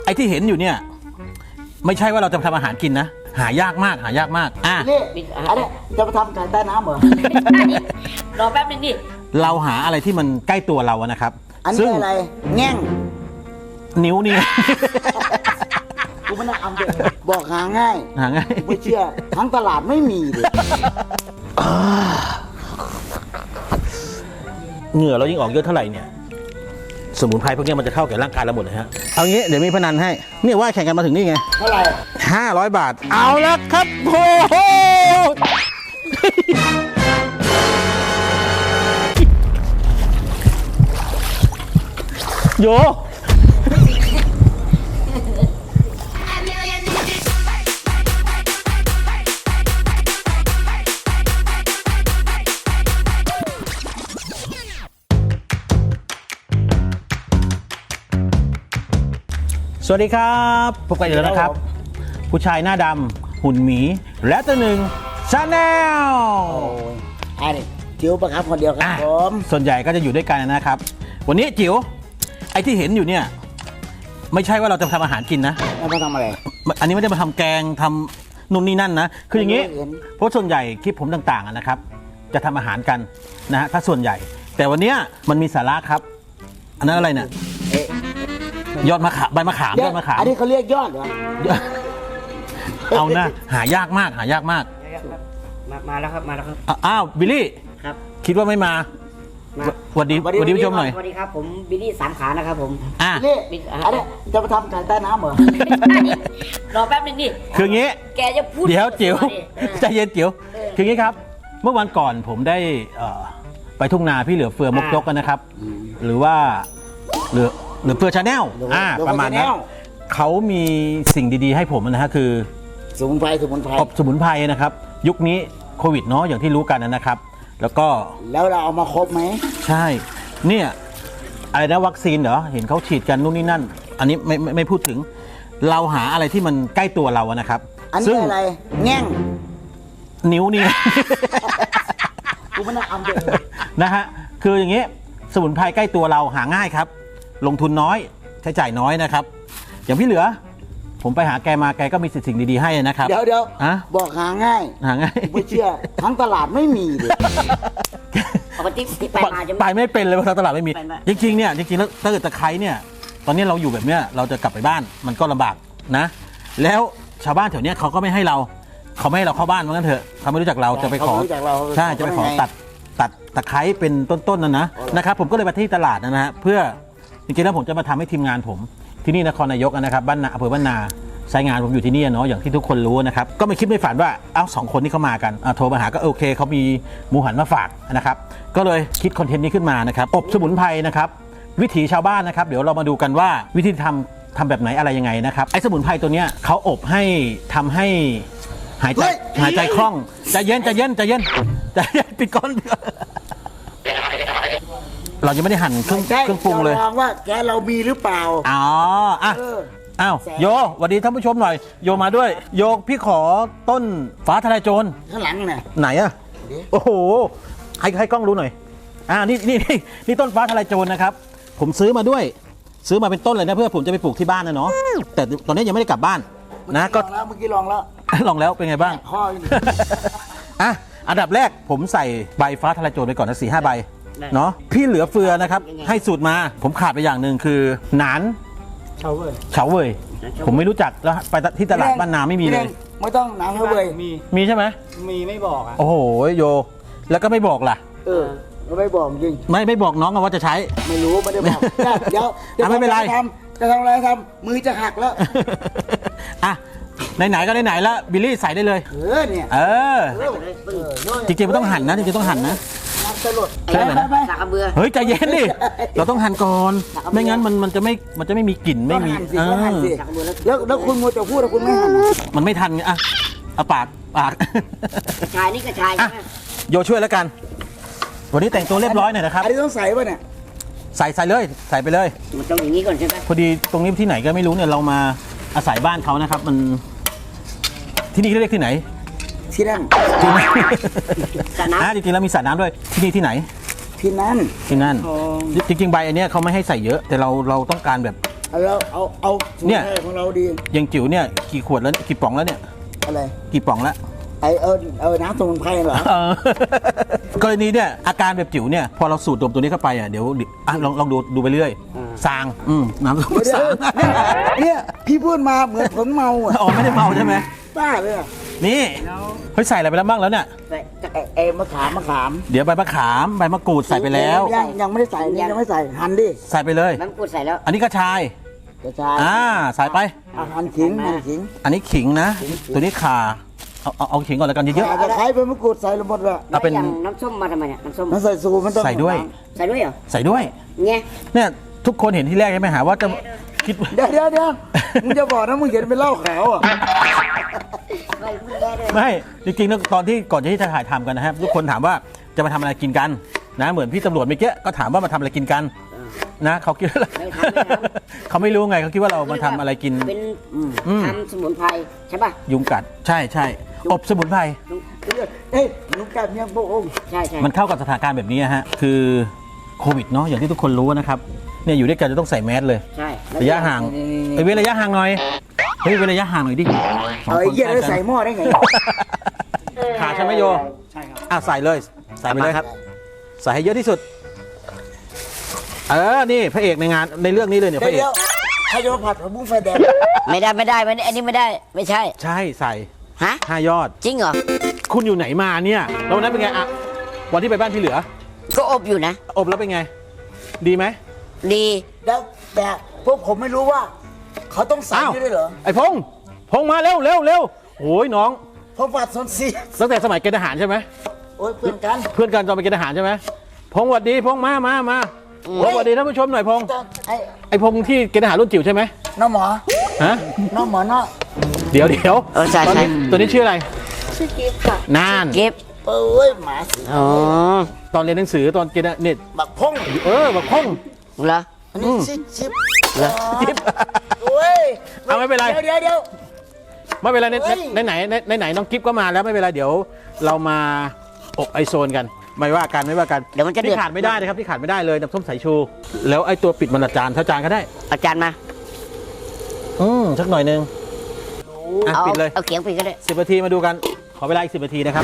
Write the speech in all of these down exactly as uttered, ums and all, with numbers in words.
อ้ที่เห็นอยู่เนี่ยไม่ใช่ว่าเราจะทำอาหารกินนะหายากมากหายากมากอ่ะนี่อันนี้จะมาทำไก่ใต้น้ำเหรอรอแป๊บนึงดิเราหาอะไรที่มันใกล้ตัวเราอะนะครับอันซึ่นี้งอะไรแง่งนิ้วนี่กูไม่น่าเอาเลยบอกหาง่ายหาง่ายไม่เชื่อทั้งตลาดไม่มีเลยเหงื่อเรายิ่งออกเยอะเท่าไหร่เนี่ยสมุนไพรพวกนี้มันจะเข้ากับร่างกายเราหมดเลยฮะเอางี้เดี๋ยวมีพนันให้เนี่ยว่าแข่งกันมาถึงนี่ไงเท่าไหร่ห้าร้อยบาทเอาละครับโอ้โหโยสวัสดีครับพบกันอีกแล้วนะครับ ผู้ชายหน้าดำหุ่นหมีและตัวหนึ่งชาแนลโอ้ยอันนี้จิ๋วประครับคนเดียวครับผมส่วนใหญ่ก็จะอยู่ด้วยกันนะครับ วันนี้จิ๋วไอ้ที่เห็นอยู่เนี่ยไม่ใช่ว่าเราจะทำอาหารกินนะแล้วมาทำอะไรอันนี้ไม่ได้มาทำแกงทำนู่นนี่นั่นนะคืออย่างนี้ไม่เห็นเพราะส่วนใหญ่คลิปผมต่างๆอะนะครับ จะทำอาหารกันนะฮะถ้าส่วนใหญ่ แต่วันเนี้ยมันมีสาระครับ อันนั้นอะไรเนี่ยเอ๊ะยอดมะขามใบมะขามยอดมะขามอันนี้เขาเรียกยอดเหรอเอาหน้าหายากมากหายากมากมามาแล้วครับมาแล้วครับอ่ะอ้าวบิลลี่ครับคิดว่าไม่มามาสวัสดีสวัสดีผู้ชมหน่อยสวัสดีครับผมบิลลี่สามขานะครับผมอ่ะนี่บิ๊กอ่ะอันนี้จะมาทำไก่ใต้น้ำเหรอรอแป๊บนึงดิคืออย่างงี้แกจะพูดเดี๋ยวจิ๋วดิเออใจเย็นจิ๋วคืออย่างงี้ครับ เมื่อวันก่อนผมได้เอ่อไปทุ่งนาพี่เหลือเฟือมกยกกันนะครับ หรือว่าเหลือเหลือเฟือชาแนลเหลืออ่าเหลือประมาณนั้น Channel เขามีสิ่งดีๆให้ผมนะฮะคือสมุนไพรสมุนไพรอบสมุนไพรนะครับ ยุคนี้โควิดเนาะอย่างที่รู้กันนะครับ แล้วก็แล้วเราเอามาครบไหมใช่เนี่ยอะไรนะวัคซีนเหรอเห็นเขาฉีดกันนู่นนี่นั่น อันนี้ไม่ไม่ไม่พูดถึง เราหาอะไรที่มันใกล้ตัวเราอะนะครับอันซึ่นี้งอะไรแง่งนิ้วนี่กูไม่น่าเอาเลยนะฮะคืออย่างนี้สมุนไพรใกล้ตัวเราหาง่ายครับ ลงทุนน้อยใช้จ่ายน้อยนะครับ อย่างพี่เหลือ ผมไปหาแกมาแกก็มีสิ่งดีๆให้นะครับเดี๋ยวเดี๋ยวอะบอกหาง่ายหาง่ายไม่เชื่อทั้งตลาดไม่มีเลยปกติไปมาจะไปไม่เป็นเลยเพราะทางตลาดไม่มีไปไม่จริงๆเนี่ยจริงๆแล้วถ้าเกิดตะไคร้เนี่ยตอนนี้เราอยู่แบบเนี้ยเราจะกลับไปบ้านมันก็ลำบากนะ แล้วชาวบ้านแถวเนี้ยเขาก็ไม่ให้เราเขาไม่ให้เราเข้าบ้านเหมือนกันเถอะเขาไม่รู้จักเราจะไปขอเขาไม่รู้จักเราใช่จะไปขอเขาไม่ให้ตัดตัดตะไคร้เป็นต้นๆนั่นนะอ๋อเหรอนะครับผมก็เลยไปที่ตลาดนะฮะเพื่อจริงๆแล้วผมจะมาทำให้ทีมงานผมที่นี่นครนายกนะครับบ้านนาอำเภอบ้านนาสายงานผมอยู่ที่นี่เนาะอย่างที่ทุกคนรู้นะครับก็ไม่คิดไม่ฝันว่าเอ้าสองคนนี้เขามากันอ่ะโทรมาหาก็โอเคเขามีหมูหันมาฝากนะครับก็เลยคิดคอนเทนต์นี้ขึ้นมานะครับอบสมุนไพรนะครับวิถีชาวบ้านนะครับเดี๋ยวเรามาดูกันว่าวิธีทำทำแบบไหนอะไรยังไงนะครับไอ้สมุนไพรตัวเนี้ยเขาอบให้ทำให้หายใจเฮ้ยหายใจคล่องใจเย็นใจเย็นใจเย็นใจเย็นปิดก้อนเรายังไม่ได้หั่นเครื่องใช่เครื่องปรุงเลยจะลองว่าแกเรามีหรือเปล่าอ๋ออ่ะเอออ้าวแสบโยสวัสดีท่านผู้ชมหน่อย โยมาด้วย โยพี่ขอต้นฟ้าทลายโจรข้างหลังน่ะไหนอะเดี๋ยวโอ้โห ให้ให้กล้องรู้หน่อย อ่า นี่นี่นี่นี่ต้นฟ้าทลายโจรนะครับ ผมซื้อมาด้วย ซื้อมาเป็นต้นเลยนะเพื่อผมจะไปปลูกที่บ้านนะเนาะ แต่ตอนนี้ยังไม่ได้กลับบ้านนะก็ลองแล้วเมื่อกี้ลองแล้วลองแล้วเป็นไงบ้างข้ออยู่อ่ะ อันดับแรกผมใส่ใบฟ้าทลายโจรไปก่อนนะสี่ห้าใบได้เนาะ พี่เหลือเฟือนะครับ ให้สูตรมา ผมขาดไปอย่างหนึ่งคือหนานเชาเว้ยเฉาเว่ยผมไม่รู้จักแล้วไปที่ตลาดบ้านนาไม่มีเลยไม่ต้องหนังเชาเว้ยมีมีใช่ไหมมีไม่บอกอ่ะโอ้โหโย แล้วก็ไม่บอกล่ะเออไม่บอกจริงไม่ไม่บอกน้องอะว่าจะใช้ไม่รู้ไม่ได้บอกเดี๋ยวเดี๋ยวอ่ะไม่เป็นไรจะทำจะทำอะไรทำมือจะหักแล้วอ่ะไหนๆก็ไหนๆแล้วบิลลี่ใส่ได้เลยเออเนี่ยเออเออเออจริงๆมันต้องหั่นนะจริงๆต้องหั่นนะน้ำสลดใช่ไหมไปไปสากกระเบือเฮ้ยใจเย็นดิเราต้องหั่นก่อนไม่งั้นมันมันจะไม่มันจะไม่มีกลิ่นไม่ไม่มีมีสิเอก็หั่นอสิแล้วแล้วคุณมัวแต่พูดแล้วคุณไม่หั่นอ่ะมันไม่ทันไงอ่ะเอาปากปากกระชายนี่กระชายอ่ะใช่ไหมโยช่วยแล้วกัน วันนี้แต่งตัวเรียบร้อยหน่อยนะครับอันนี้ต้องใส่ป่ะเนี่ยใส่ใส่เลยใส่ไปเลยมันต้องอย่างนี้ก่อนใช่ไหมพอดีตรงนี้ที่ไหนก็ไม่รู้เนี่ยเรามาอาศัยบ้านเขานะครับ มันที่นี่เรียกที่ไหนที่นั่นที่นั่นสระน้อ่ะจริงๆแล้วมีสระน้ำด้วยที่นี่ที่ไหนที่นั่นที่นั่นำจริงๆใบอันเนี้ยเขาไม่ให้ใส่เยอะ แต่เราเราต้องการแบบแล้วเอาเอาสูตรเนี่ยให้ของเราดีอย่างจิ๋วเนี่ยกี่ขวดแล้วเนี่ยกี่ป๋องแล้วเนี่ยอะไรกี่ป๋องแล้วไอเออเออน้ำสมุนไพรเหรอเออ กรณีเนี่ยอาการแบบจิ๋วเนี่ยพอเราสูดดมตัวนี้เข้าไปอ่ะเดี๋ยวอ่ะลองลองดูดูไปเรื่อยซางอืมน้ำส้มเดี๋ยวสางเนี่ยพี่พูดมาเหมือนผมเมาอ่ะอ๋อไม่ได้เมาใช่ไหมบ้าเลยอะนี่เฮ้ยใส่อะไรไปแล้วบ้างแล้วเนี่ยใส่ไอ้ไอ้มะขามมะขามเดี๋ยวใบมะขามใบมะกรูดใส่ไปแล้วยังยังไม่ได้ใส่นี่ยังไม่ใส่หั่นดิใส่ไปเลยน้ำกูดใส่แล้วอันนี้กระชายกระชายอ่าใส่ไปอ่ะหั่นขิงหั่นขิงอันนี้ขิงนะ ตัวนี้ข่าเอาเอาเอาขิงก่อนแล้วกันเยอะอาจจะใช้เป็นมะกรูดใส่ลงหมดเลยเอาเป็นแล้วอย่างน้ำส้มมาทำไมเนี่ยน้ำส้มน้ำใส่สูมันต้องใส่ด้วยใส่ด้วยเหรอๆ ใส่ด้วยเนี่ยเนี่ยทุกคนเห็นที่แรกใช่ไหมหาว่าจะคิดเดี๋ยวเดี๋ยวเดี๋ยวมึงจะบอกนะมึงเห็นเป็นเหล้าขาวอ่ะไม่ไม่ได้ด้วยไม่จริงๆแล้วตอนที่ก่อนที่จะถ่ายทำกันนะครับทุกคนถามว่าจะมาทำอะไรกินกันนะเหมือนพี่ตำรวจเมื่อกี้ก็ถามว่ามาทำอะไรกินกันนะเขาคิดว่าไม่ทำไม่ทำเขาไม่รู้ไงเขาคิดว่าเรามาทำอะไรกินเป็นอืมทำสมุนไพรใช่ป่ะยุงกัดใช่ใช่อบสมุนไพรเอ้ยลุงกัดยังพวกองค์ใช่ใช่มันเข้ากับสถานการณ์แบบนี้ฮะคือโควิดเนาะอย่างที่ทุกคนรู้นะครับเนี่ยอยู่ด้วยกันจะต้องใส่แมสเลยใช่ระยะห่างเฮ้ยเว้นระยะห่างหน่อยเฮ้ยเว้นระยะห่างหน่อยดิสองเอ้ยคนเหี้ยใกล้แล้วกันใส่หม้อได้ไงขาดใช่ไหมโยใช่ครับอ่ะใส่เลยใส่ไปเลยครับ ใส่ให้เยอะที่สุดเออนี่พระเอกในงานในเรื่องนี้เลยเนี่ยพเดี๋ยวระเอกเดี๋ยวใครจะมาผัดผักบุ้งไฟแดงไม่ได้ไม่ได้ไม่ได้อันนี้ไม่ได้ไม่ใช่ใช่ใส่ฮะห้ายอดจริงเหรอคุณอยู่ไหนมาเนี่ยแล้ววันนั้นเป็นไงอะวันที่ไปบ้านพี่เหลือก็อบอยู่นะอบแล้วเป็นไง ดีไหมดีแล้วแต่พวกผมไม่รู้ว่า เขาต้องใส่อ้าวนี่ด้วยเหรอไอ้พงษ์พงษ์มาเร็วเร็วเร็วโอ้ยน้องผมผัดซนซีตั้งแต่สมัยเกณฑ์ทหารใช่ไหมโอ้ยเพื่อนกันเพื่อนกันตอนไปเกณฑ์ทหารใช่ไหมพงษ์หวัดดีพงษ์มามามาพงษ์หวัดดีท่านผู้ชมหน่อยพงษ์ไอ้ไอ้พงษ์ที่เกณฑ์ทหารรุ่นจิ๋วใช่ไหมน้องหมอฮะน้องหมอเนาะเดี๋ยวเดี๋ยวเออใช่ตอนใช่นี้ตัวนี้ชื่ออะไรชื่อกิฟต์ค่ะนานเก็บเอ้ยหมาสิอ๋อตอนเรียนหนังสือตอนเกณฑ์เนี่ยบักพงเออแบบพงษ์เหรออันนี้ชิปชิปเหรอจิ๊บโอ้ยเอาไม่เป็นไรเดี๋ยวเดี๋ยวเดี๋ยวไม่เป็นไรในเฮ้ยในไหนในในไหนน้องกิฟก็มาแล้วไม่เป็นไรเดี๋ยวเรามาอบไอโซนกันไม่ว่ากันไม่ว่ากันเดี๋ยวมันจะเดือดที่ขาดไม่ได้นะครับที่ขาดไม่ได้เลยน้ำส้มสายชู แล้วไอตัวปิดมันละจานเท่าจานก็ได้อาจารย์มาอืมสักหน่อยหนึงอ่ะเอาปิดเลยเอาเขียงปิดก็ได้สิบนาทีมาดูกันขอเวลาอีกสิบนาทีนะครับ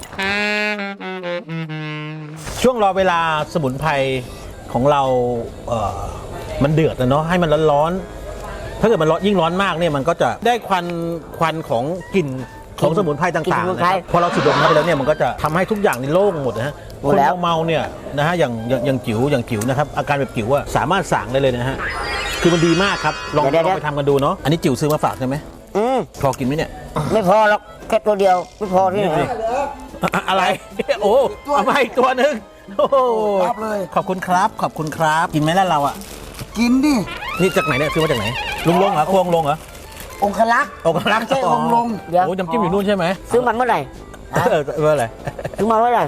ช่วงรอเวลาสมุนไพรของเราเอ่อมันเดือดนะเนาะให้มันร้อนๆถ้าเกิดมันร้อนยิ่งร้อนมากเนี่ยมันก็จะได้ควันควันของกลิ่นของสมุนไพรต่างๆนะครับพอเราสูดดมเข้าไปแล้วเนี่ยมันก็จะทำให้ทุกอย่างนี่โล่งหมดนะฮะคนเมาๆเนี่ยนะฮะอย่างอย่างอย่างจิ๋วอย่างจิ๋วนะครับอาการแบบจิ๋วอะสามารถสั่งได้เลยนะฮะคือมันดีมากครับลองลองไปทำกันดูเนาะอันนี้จิ๋วซื้อมาฝากใช่ไหมอืมพอกินไหมเนี่ยไม่พอหรอกแค่ตัวเดียวไม่พอที่ไหนอะอะไร โอ้เอามาอีกตัวหนึ่งโอ้โหรับเลยขอบคุณครับ ขอบคุณครับ กินไหมล่ะเราอ่ะกินดินี่จากไหนเนี่ยซื้อมาจากไหน ลุงลงเหรอควงลงเหรอองคลักษ์โอ้กำลังไม่ใช่องค์ลงเดี๋ยวโอ้น้ำจิ้มอยู่นู่นใช่ไหมซื้อมันเมื่อไหร่เออเอออะไรซื้อมาเมื่อไหร่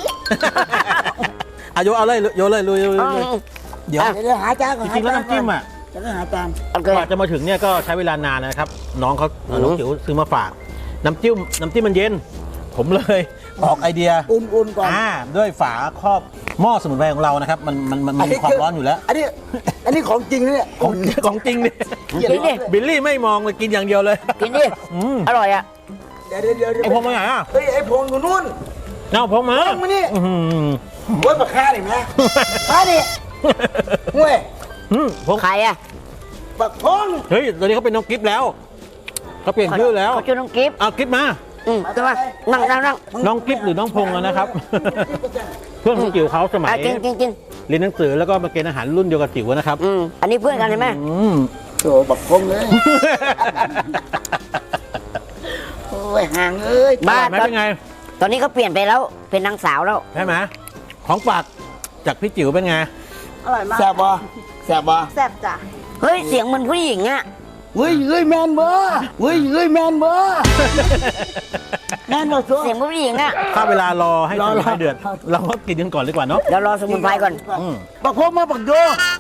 อายุเอาเลยโยนเลยลุยลุยอืลุยมเดี๋ยวเดี๋ยวหาจานก่อนจริงๆแล้วน้ำจิ้มอ่ะจะได้หาจานโอเคกว่าจะมาถึงเนี่ยก็ใช้เวลานานนะครับ น้องเขาอืมน้องจิ๋วซื้อมาฝาก น้ำจิ้มน้ำจิ้มมันเย็น ผมเลยออกไอเดียอุ่นๆก่อนอ่าด้วยฝาครอบหม้อสมุนไพรของเรานะครับ มันมันมันมีความร้อนอยู่แล้วอันนี้ อันนี้ของจริงนะเนี่ยของของจริงเนี่ยกินดิบิลลี่ไม่มองเลยกินอย่างเดียวเลยกินดิอืมอร่อยอ่ะเดี๋ยวเดี๋ยวเดี๋ยวไอพงมาไหนอ่ะเฮ้ยไอ้พงอยู่นู่นเอาพงมาพงมานี่อื้อหือโอ้ยปากคาดิแม่คาดิเว้ยอืมพงใครอ่ะปากพงเฮ้ยตอนนี้เขาเป็นน้องกิฟต์แล้วเขาเปลี่ยนชื่อแล้วเขาชื่อน้องกิฟต์เอากิฟต์มาอืมขึ้นมานั่งนั่งนั่งน้องกิฟต์หรือน้องพงอะนะครับ เพื่อนของจิ๋วเขาสมัยอ่ะกินกินกินเรียนหนังสือแล้วก็มาเกณฑ์อาหารรุ่นเดียวกับจิ๋วนะครับอืมอันนี้เพื่อนกันใช่ไหมอืมโถ่บักพงเลยโอ้ยห่างเอ้ยบ้าไม่ตอนเป็นไงตอนนี้เขาเปลี่ยนไปแล้วเป็นนางสาวแล้วใช่ไหมของฝากจากพี่จิ๋วเป็นไงอร่อยมากแซ่บบ่แซ่บบ่แซ่บจ้ะเฮ้ยเสียงเหมือนผู้หญิงอ่ะเฮ้ยเฮ้ยแมนบ่เฮ้ยเฮ้ยแมนบ่แมนบ่ซัวเสียงผู้หญิงอ่ะถ้าเวลารอให้รสอมุนไพรรอเดือด เราก็กินกันก่อนดีกว่าเนาะเดี๋ยวรอสมุนไพรก่อนอืมบักพงมาบักโย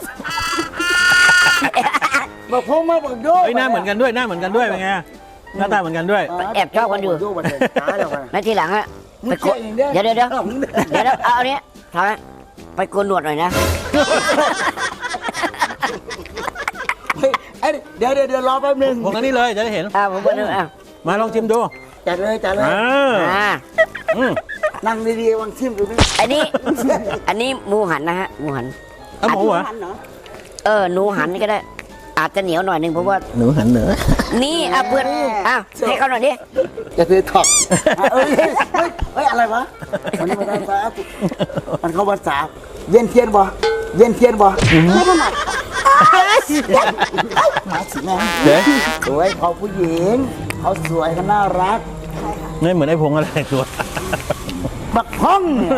บักพงมาบักโยเฮ้ยหน้าเหมือนกันด้วยหน้าเหมือนกันด้วยเป็นไงหน้าตาเหมือนกันด้วยแอบชอบกันอยู่โบักโตายแล้วกันในทีหลังอะมึงไปโกนเจ๊งเด้เดี๋ยวเดี๋ยวเดี๋ยวเอามึงเด้อเดี๋ยวเดี๋ยวเอาอันนี้ทำไปโกนหนวดหน่อยนะเฮ้ยเดี๋ยวเดี๋ยวเดี๋ยวรอแป๊บนึงพวกนั้นนี่เลยจะได้เห็นอ่าผมก็นึกอ่ะมาลองชิมดูจัดเลยจัดเลยอ่าอ่าอืมนั่งดีๆวางชิมดูนี่อันนี้ อันนี้หมูหันนะฮะหมูหันเอาหมูเหรอเออหนูหันก็ได้ อาจจะเหนียวหน่อยนึงเพราะว่าหนูหันเหนือนี่อ่ะเพื่อนอ่ะให้เขาหน่อยดิจะซื้อถอกอ่ะเอ้ยเฮ้ยเฮ้ยเฮ้ยอะไรวะมันไม่ได้ภาษามันเข้าภาษาเวียนเทียนบ่เวียนเทียนบ่ไม่ถนัดมาสิแม่เดี๋ยวสวยเขาผู้หญิงเขาสวยเขาน่ารักไม่เหมือนไอ้พงอะไรตัวบักห้องเนี่ย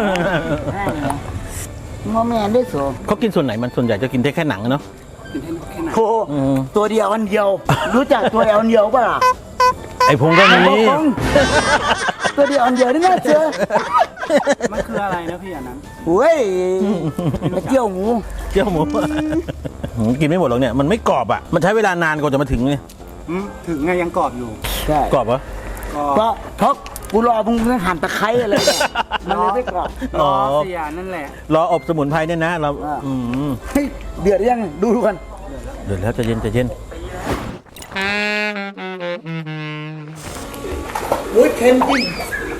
งอแมนได้สูเขากินส่วนไหนมันส่วนใหญ่จะกินได้แค่หนังอะเนาะโอ้ตัวเดียวอันเดียว รู้จักตัวเดียวอันเดียวป่ะล่ะไอ้พงก็มีบักห้องตัวเดียวอันเดียวนี่น่าเจอมันคืออะไรนะพี่อันนั้นเฮ้ยกระเจียวหมูเจียวหมูหืมกินไม่หมดหรอกเนี่ยมันไม่กรอบอ่ะมันใช้เวลานานกว่าจะมาถึงเนี่ยอืมถึงไงยังกรอบอยู่ใช่กรอบเหรอกรอบเพราะเพราะกูรอมึงหั่นตะไคร้อะไรเนี่ยมันเลยไม่กรอบรอ๋ออเสียนั่นแหละรออบสมุนไพรเนี่ยนะเราอ่าอืมเฮ้ยเดือดยังดูดูกันเดี๋ยวแล้วใจะเย็นใจะเย็นโอ้ยเค็มจริง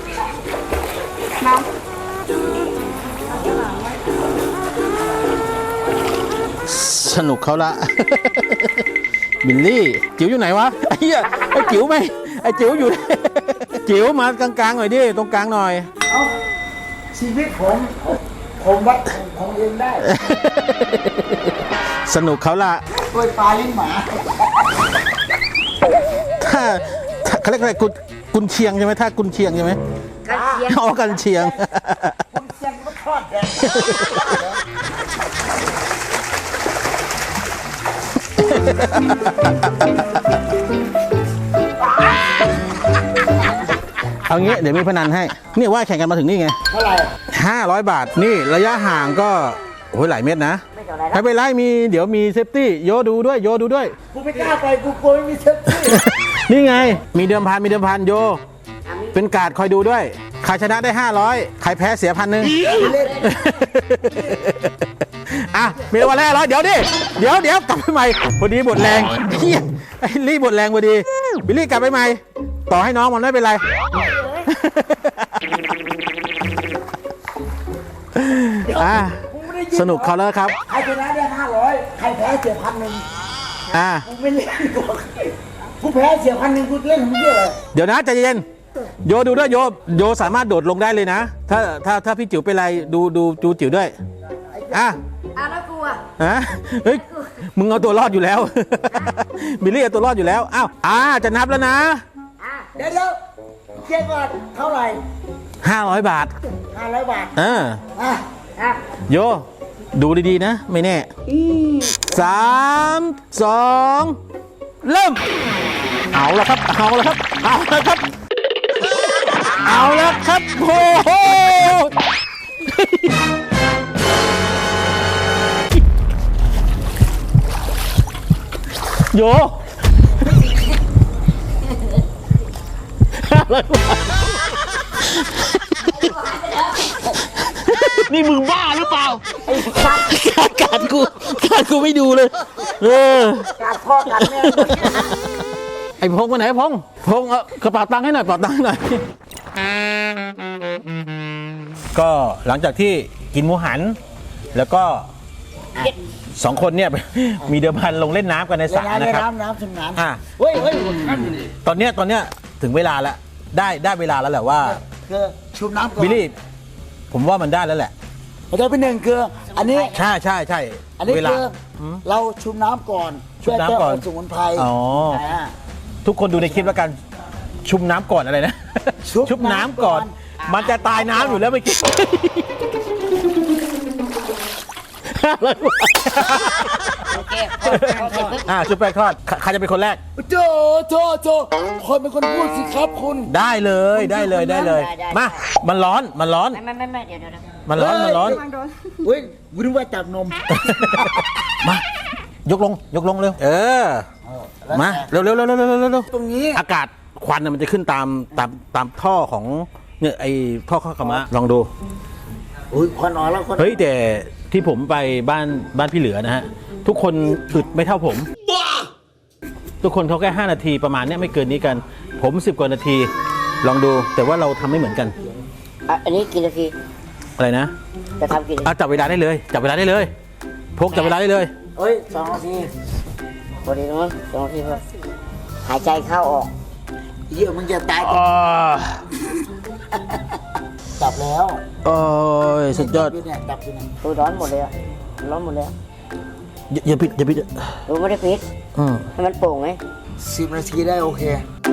สนุกเขาละ บิลลี่จิ๋วอยู่ไหนวะไอ้เหี้ยไอ้จิ๋วไหมไอ้จิ๋วอยู่ จิ๋วมากลางๆหน่อยดิตรงกลางหน่อยเอ้าชีวิตผมผมวัดของผมเองได้สนุกเขาละกล้วยปลาลิ้นหมาถ้าถ้าเขาเรียกอะไรกุนกุนเชียงใช่ไหมถ้ากุนเชียงใช่ไหมกันเชียงอ๋อกันเชียงคุณเชียงก็ทอดแดงเอางี้เดี๋ยวมีพนันให้นี่ว่าแข่งกันมาถึงนี่ไงเท่าไหร่ห้าร้อยบาทนี่ระยะห่างก็โอ้ยหลายเมตรนะไม่เท่าไหรไม่เป็นไรมีเดี๋ยวมีเซฟตี้โยดูด้วยโยดูด้วยกูไม่กล้าไปกูกลัวไม่มีเซฟตี้นี่ไง มีเดิมพันมีเดิมพันโย เป็นการ์ดคอยดูด้วย ใครชนะได้ ห้าร้อย ใครแพ้เสียพันหนึ่งเล่นอ่ะ มีรางวัลห้าร้อยเดี๋ยวดิ เดี๋ยวเดี๋ยวกลับไปใหม่ พอดีหมดแรงเฮียไอ้ลี่หมดแรงพอดี บิลลี่กลับไปใหม่ ต่อให้น้องมันไม่เป็นไร อ่ะ สนุกเขาแล้วครับใครชนะได้ห้าร้อยใครแพ้เสียพันหนึ่งอ่ะกูไม่เล่นกูกูแพ้เสียพันหนึ่งกูเล่นทำเพื่ออะไรเดี๋ยวนะใจเย็นโยดูด้วยโยโยสามารถโดดลงได้เลยนะ ถ้าถ้าถ้าพี่จิ๋วเป็นไรดูดูดูจิ๋วด้วยอ่ะอ่ะแล้วกูอ่ะฮะเฮ้ยมึงเอาตัวรอดอยู่แล้ว บิลลี่เอาตัวรอดอยู่แล้วอ้าวอ่าจะนับแล้วนะอ่ะเดี๋ยวเดี๋ยวเจ๊ก่อนเท่าไหร่ห้าร้อยบาทห้าร้อยบาทเอออ่ะอ่ะโยดูดีๆนะ ไม่แน่สามสองเริ่มเอาละครับเอาละครับเอาละครับเอาละครับโอ้โหโยนี่มึงบ้าหรือเปล่าการการกูการกูไม่ดูเลยเออการพ่อการแม่ไอ้พงไปไหนพงพงเอากระเป๋าตังค์ให้หน่อยกระเป๋าตังค์ให้หน่อยก็หลังจากที่กินหมูหัน แล้วก็สองคนเนี่ย มีเดิมพันลงเล่นน้ำกันในสเล่ระนน้ำนะเล่นครับน้ำน้ำชำน้ำอ่ะเฮ้ยเฮ้ยตอนเนี้ยตอนเนี้ยถึงเวลาแล้วได้ได้เวลาแล้วแหละว่าคือชุบน้ำก่อนบิลลี่ผมว่ามันได้แล้วแหละมันจะเป็นหนึ่งคืออันนี้ใช่ใช่ใช่อันนี้เวลาคือเราชุบน้ำก่อนชุบน้ำก่อนเพื่แก้สมุนไพรอ๋ออ่าทุกคนดูในคลิปแล้วกันชุบน้ำก่อนอะไรนะชุบชุบน้ำก่อนน้ำก่อนมันจะตายน้ำอยู่แล้วเมื่อกี้โอเคพอพอเสร็จปุ๊บอ่าชุบแป้งทอดใครใครจะเป็นคนแรกโจโจโจคนเป็นคนพูดสิครับคุณได้เลยได้เลยได้เลย มา มันร้อนมันร้อนไม่ไม่ไม่ไม่เดี๋ยวเดี๋ยวเดี๋ยวมันร้อนมันร้อนเฮ้ยกูนึกว่าจับนมมา ยกลงยกลงเร็ว เออ มาเร็วเร็วเร็วเร็วเร็วเร็วเร็วตรงนี้อากาศควันน่ะมันจะขึ้นตามตามตามท่อของเนี่ยไอ้ท่อข้าวกะมะลองดูอุ้ยควันออกแล้วควันเฮ้ยแต่ที่ผมไปบ้านบ้านพี่เหลือนะฮะ ทุกคนอึดไม่เท่าผมทุกคนเขาแค่ห้านาทีประมาณเนี้ยไม่เกินนี้กัน ผมสิบกว่านาทีลองดูแต่ว่าเราทำไม่เหมือนกันอ่ะอันนี้กี่นาทีอะไรนะจะทำกี่นาทีอ่ะจับเวลาได้เลยจับเวลาได้เลย พกจับเวลาได้เลยเฮ้ยสองนาทีพอดีนะมั้งสองนาทีพอหายใจเข้าออกเหี้ยมึงจะตายอ๋อจับแล้วโอ้ยสุดยอดจับเนี่ยจับอยู่เนี่ยตัวร้อนหมดเลยอะร้อนหมดเลยอะอย่าอย่าปิดอย่าปิดดูไม่ได้ปิดอืมให้มันโป่งไงสิบนาทีได้โอเค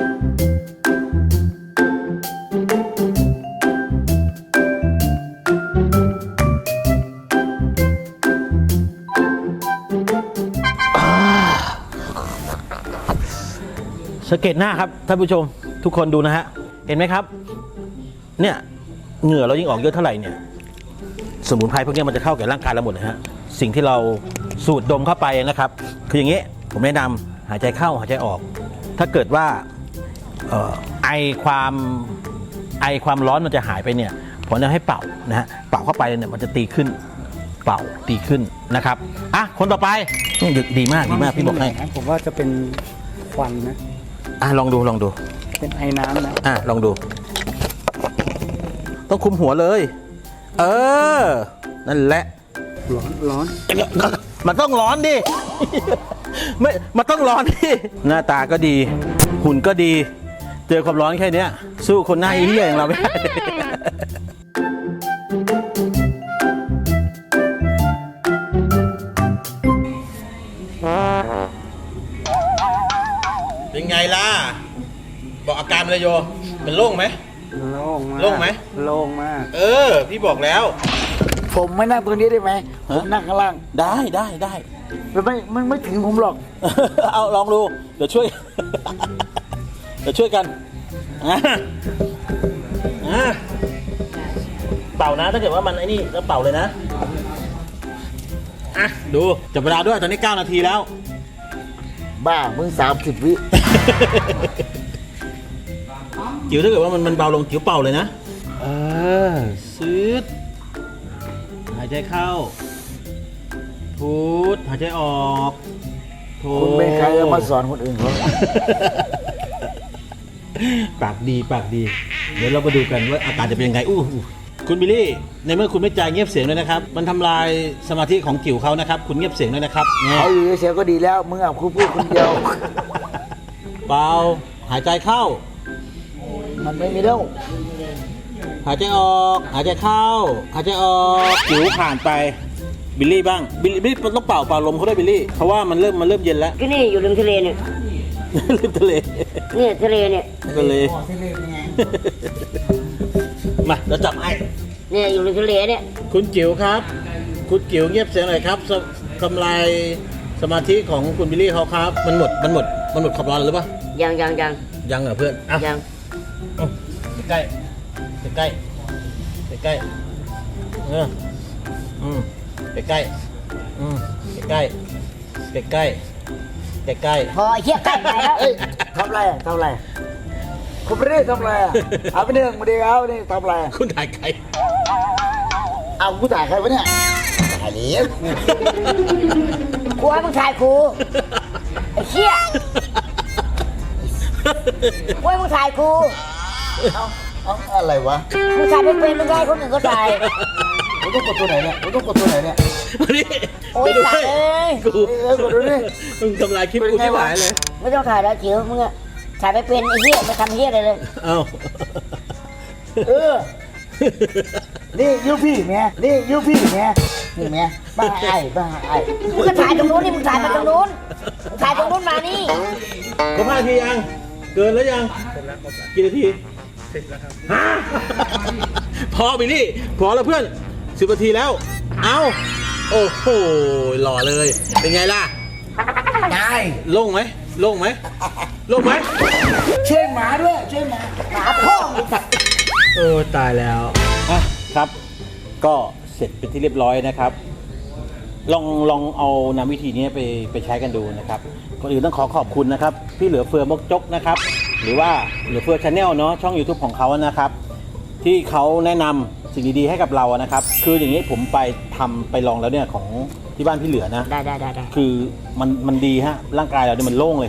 สังเกตหน้าครับท่านผู้ชมทุกคนดูนะฮะเห็นไหมครับเนี่ยเหงื่อเรายิ่งออกเยอะเท่าไหร่เนี่ยสมุนไพรพวกนี้มันจะเข้าแก่ร่างกายเราหมดนะฮะสิ่งที่เราสูดดมเข้าไปนะครับคืออย่างนี้ผมแนะนำหายใจเข้าหายใจออก ถ้าเกิดว่าเอ่อไอความไอความร้อนมันจะหายไปเนี่ยผมจะให้เป่านะฮะเป่าเข้าไปเนี่ยมันจะตีขึ้นเป่าตีขึ้นนะครับอ่ะคนต่อไปนี่ดีมากดีมากพี่บอกให้ผมว่าจะเป็นควันนะอ่ะลองดูลองดูเป็นไอ้น้ำนะอ่ะลองดู ต้องคุมหัวเลย เออ นั่นแหละร้อนร้อนมันต้องร้อนดิ ไม่ มันต้องร้อนดิ หน้าตาก็ดี หุ่นก็ดี เจอความร้อนแค่เนี้ย สู้คนหน้าเหี้ยอย่างเราไม่ได้ เป็นไงล่ะ บอกอาการเลยโยมันโล่งไหมโล่งมากโล่งไหมโล่งมากเออ พี่บอกแล้วผมไม่นั่งตรงนี้ได้ไหมผมนั่งข้างล่างได้ได้ได้มันไม่มันไม่ถึงผมหรอกเอาลองดู เดี๋ยวช่วย เดี๋ยวช่วยกันอ่ะอ่ะเป่านะถ้าเกิดว่ามันไอ้นี่ก็เป่าเลยนะอ่ะดูจับเวลาด้วยตอนนี้เก้านาทีแล้วบ้ามึงสามสิบวิจิ๋วถ้าเกิดว่ามันมันเบาลงจิ๋วเป่าเลยนะเออซืดหายใจเข้าพูดหายใจออกโทคุณเป็นใครจะมาสอนคนอื่นเขาปากดีปากดี เดี๋ยวเรามาดูกันว่าอาการจะเป็นยังไงอู้หูคุณบิลลี่ในเมื่อคุณไม่จ่ายเงียบเสียงเลยนะครับ มันทำลายสมาธิของจิ๋วเขานะครับ คุณเงียบเสียงด้วยนะครับเนี่ยเขาอยู่เฉยๆก็ดีแล้วมึงอ่ะคุณพูดคนเดียวเบาหายใจเข้ามันไม่มีแล้วหายใจออก หายใจเข้า หายใจออกจิ๋วผ่านไปบิลลี่บ้างบิลลี่บิลลี่ต้องเป่าเป่าลมเขาด้วยบิลลี่เพราะว่ามันเริ่มมันเริ่มเย็นแล้วที่นี่อยู่ริมทะเลเนี่ยริมทะเลเนี่ยทะเลเนี่ยทะเลมาเราจับไอ้เนี่ยอยู่ริมทะเลเนี่ยคุณจิ๋วครับ คุณจิ๋วเงียบเสียงหน่อยครับสทำลายสมาธิของคุณบิลลี่เขาครับ มันหมดมันหมดมันหมดความร้อนหรือเปล่ายังยังยังยังเหรอเพื่อนอ่ะยังอืมใกล้ใกล้ใกล้ใกล้เอออืมใกล้ใกล้อืมใกล้ใกล้ใกล้ใกล้ใกล้พอไอ้เหี้ยใกล้ไปแล้วเอ้ยทำไรอ่ะทำไรคุณไม่ได้ทำไรอ่ะเอาไปหนึ่งมาดีเอานี่ทำไรคุณถ่ายใครเอากูถ่ายใครวะเนี่ยถ่ายเหลี้ยกูให้มึงถ่ายกูไอ้เหี้ยกูให้มึงถ่ายกูเอาเอาอะไรวะมึงถ่ายไม่เป็นมึงให้คนอื่นก็ถ่ายผมต้องกดตัวไหนเนี่ยผมต้องกดตัวไหนเนี่ยมาดิโอ๊ยไปดูสัตว์เอ้ยกูเอ้ยกดดูดิมึงทำลายคลิปกูที่หายเลยไม่ต้องถ่ายแล้วจิ๋วมึงอะถ่ายไม่เป็นไอ้เหี้ยไม่ทำเหี้ยอะไรเลยเอ้าเออนี่ยูพี่แม่นี่ยูพี่แม่นี่แม่บ้าไอ้บ้าไอ้มึงก็ถ่ายตรงนู้นนี่มึงถ่ายมาตรงนู้นมึงถ่ายตรงนู้นมานี่ครบห้านาทียัง เกินแล้วยังกี่นาทีฮะพอบิลลี่ พอแล้วเพื่อนสิบนาทีแล้ว เอาโอ้โหหล่อเลย เป็นไงล่ะตายโล่งไหมโล่งไหมโล่งไหมเช่นหมาด้วยเช่นหมาหาพ่อมึงสัตว์เออตายแล้วอ่ะครับ ก็เสร็จเป็นที่เรียบร้อยนะครับ ลองลองเอานำวิธีนี้ไปไปใช้กันดูนะครับก่อนอื่นต้องขอขอบคุณนะครับพี่เหลือเฟือมกจกนะครับ หรือว่าเหลือเฟือชาแนลเนาะช่อง YouTube ของเขานะครับ ที่เขาแนะนำสิ่งดีๆให้กับเรานะครับ คืออย่างนี้ผมไปทำไปลองแล้วเนี่ยของที่บ้านพี่เหลือนะได้ได้ได้ได้คือมันมันดีฮะร่างกายเราเนี่ยมันโล่งเลยครับ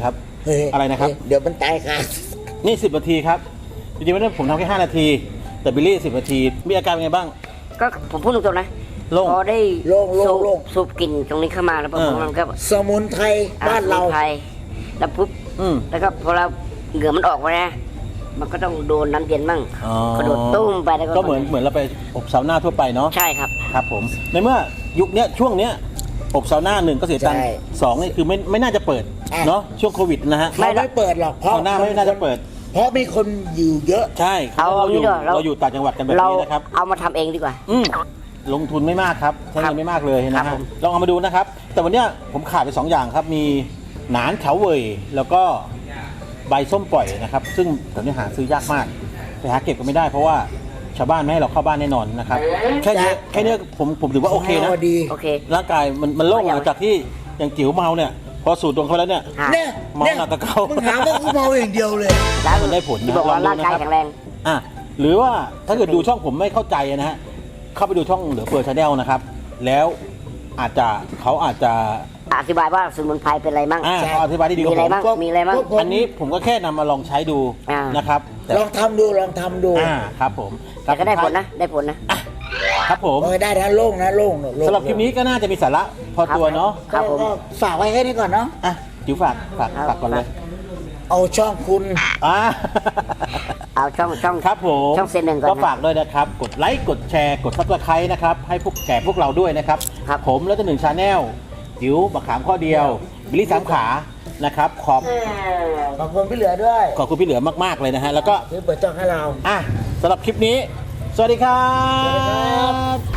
เฮ้ยอะไรนะครับเดี๋ยวมันตายค่ะนี่สิบนาทีครับจริงๆไม่ได้ผมทำแค่ห้านาทีแต่บิลลี่สิบนาทีมีอาการเป็นไงบ้างก็ผมพูดตรงๆนะโล่งพอได้โล่งโล่งสูบโล่งสูบกลิ่นตรงนี้เข้ามาแล้วพอเออมันก็สมุนไพรบ้านเราอ่สมุไพแล้วปุ๊บอืมแล้วก็พอเราเหงื่อมันออกมานะมันก็ต้องโดนน้ำเย็นมั่งอ๋อกระโดดตุ้มไปแล้วก็ก็เหมือนเหมือนเราไปอบซาวน่าทั่วไปเนาะใช่ครับครับผมในเมื่อยุคเนี้ยช่วงเนี้ยอบซาวน่าหนึ่งก็เสียตังค์ใช่สองนี่คือไม่ไม่น่าจะเปิดอ่ะเนาะช่วงโควิดนะฮะเขาไม่เปิดหรอกเพราะซาวน่าไม่น่าจะเปิดเพราะมีคนอยู่เยอะใช่เอาเราอยู่งี้ดีกว่าเราเราอยู่ต่างจังหวัดกันแบบเรานี้นะครับเอามาทำเองดีกว่าอืมลงทุนไม่มากครับใช้ครัเงิบนไม่มากเลยนะครัฮะบผมลองเอามาดูนะครับ แต่วันเนี้ยผมขาดไปสองอย่างครับ มีหนานเฉาเว่ยแล้วก็ใบส้มปล่อยนะครับ ซึ่งตอนนี้หาซื้อยากมากไปหาเก็บก็ไม่ได้เพราะว่าชาวบ้านไม่ให้เราเข้าบ้านแน่นอนนะครับแค่นี้แค่นี้ผมผมถือว่าโอเคนะพอดีโอเคร่างกายมันมันโล่งหลังจากที่อย่างจิ๋วเมาเนี่ย พอสูดตรงเขาแล้วเนี่ยฮะเนี่ยเมาเนี่ยหนักกว่าเก่ามึมึงหาว่ากูเมาอย่างเดียวเลยแล้วมันได้ผลนะที่บอกว่าลองดูร่างกายนะครับแข็งแรงอ่ะหรือว่าถ้าเกิดดูช่องผมไม่เข้าใจนะฮะเข้าไปดูช่องเหลือเฟือชาแนลนะครับ แล้วอาจจะเขาอาจจะอธิบายว่าสมุนไพรเป็นอะไรมั่งอ่าเขาอธิบายได้ดีกมีว่าอะไรผมบ้างมีอะไรบ้างพวกผมอันนี้ผมก็แค่นำมาลองใช้ดูอ่านนะครับแต่ลองทำดูลองทำดูอ่าครับผมแต่ก็ได้ผลนะ ได้ผลนะอ่ะครับผมโอ้ยได้นะโล่งนะโล่งโล่งสำหรับคลิปนี้ก็น่าจะมีสาระพอตัวเนาะครับผมก็ฝากไว้แค่นี้ก่อนเนาะอ่ะจิ๋วฝากฝากครับฝากก่อนเลยเอาช่องคุณอ่าเอาช่องช่องครับผมช่องเซนหนึ่งก่อนก็นะฝากด้วยนะครับ กดไลค์ กดแชร์ กดซับสไครต์นะครับ ให้พวกแก่พวกเราด้วยนะครับครับผมแล้วจะหนึ่งชาแนลจิ๋วบักขามข้อเดียว บิลลี่สามขา นะครับ ขอบขอบคุณพี่เหลือด้วยขอบคุณพี่เหลือมาก ๆ เลยนะฮะ แล้วก็ที่เปิดช่องให้เราอ่ะสำหรับคลิปนี้ สวัสดีครัสวัสดีครับ บ